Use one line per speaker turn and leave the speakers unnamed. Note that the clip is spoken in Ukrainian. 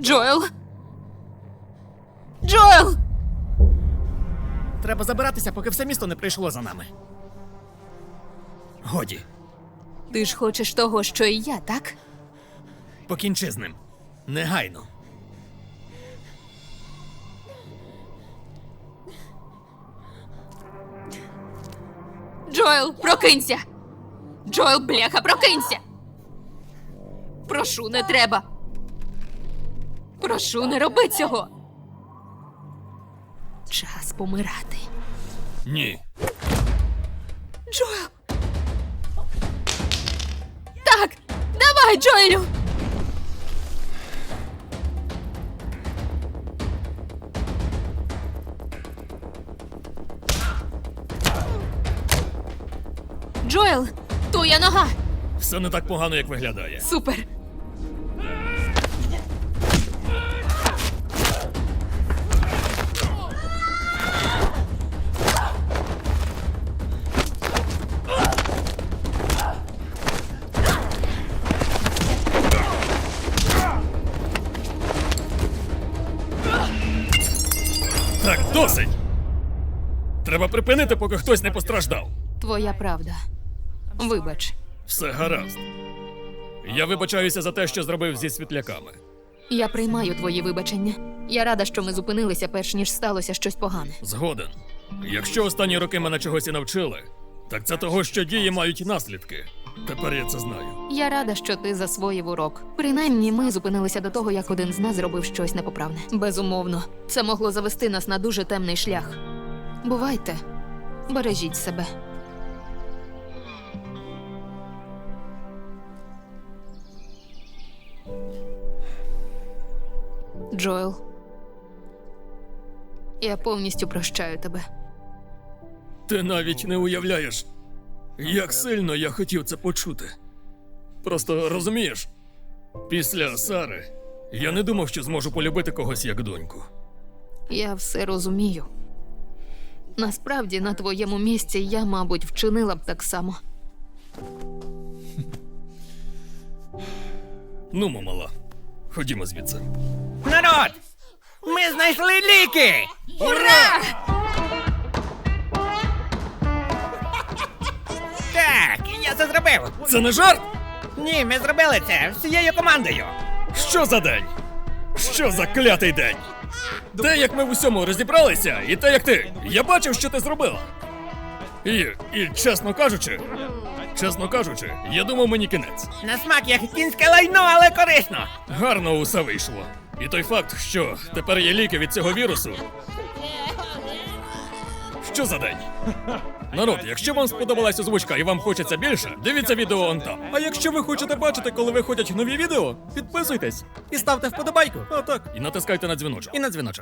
Джоел? Джоел!
Треба забиратися, поки все місто не прийшло за нами. Годі,
Ти ж хочеш того, що і я, так?
покінчи з ним. Негайно.
Джоел, прокинься! Джоел, бляха, прокинься! Прошу, не треба. Прошу, не роби цього. Час помирати.
Ні.
Джоел! Так! Давай, Джоелю! Джоел! Твоя нога!
Все не так погано, як виглядає.
Супер!
Так, досить! Треба припинити, поки хтось не постраждав.
Твоя правда. Вибач.
Все гаразд. Я вибачаюся за те, що зробив зі світляками.
Я приймаю твої вибачення. Я рада, що ми зупинилися, перш ніж сталося щось погане.
Згоден. Якщо останні роки мене чогось і навчили, так це того, що дії мають наслідки. Тепер я це знаю.
Я рада, що ти засвоїв урок. Принаймні, ми зупинилися до того, як один з нас зробив щось непоправне. Безумовно, це могло завести нас на дуже темний шлях. Бувайте, бережіть себе. Джоел, я повністю прощаю тебе.
Ти навіть не уявляєш, як сильно я хотів це почути. Просто розумієш, після Сари я не думав, що зможу полюбити когось як доньку.
Я все розумію. Насправді, на твоєму місці я, мабуть, вчинила б так само.
Нумо, мала, ходімо звідси.
Народ! Ми знайшли ліки!
Ура!
Так, я це зробив!
Це не жарт?
Ні, ми зробили це всією командою!
Що за день? Що за клятий день? Те, як ми в усьому розібралися, і те, як ти. Я бачив, що ти зробила. І чесно кажучи, я думав, мені кінець.
На смак як кінське лайно, але корисно!
Гарно усе вийшло. І той факт, що тепер є ліки від цього вірусу. Що за день? Народ, якщо вам сподобалась озвучка і вам хочеться більше, дивіться відео он там. А якщо ви хочете бачити, коли виходять нові відео, підписуйтесь.
І ставте вподобайку!
А так, і натискайте на дзвіночок.
І на дзвіночок.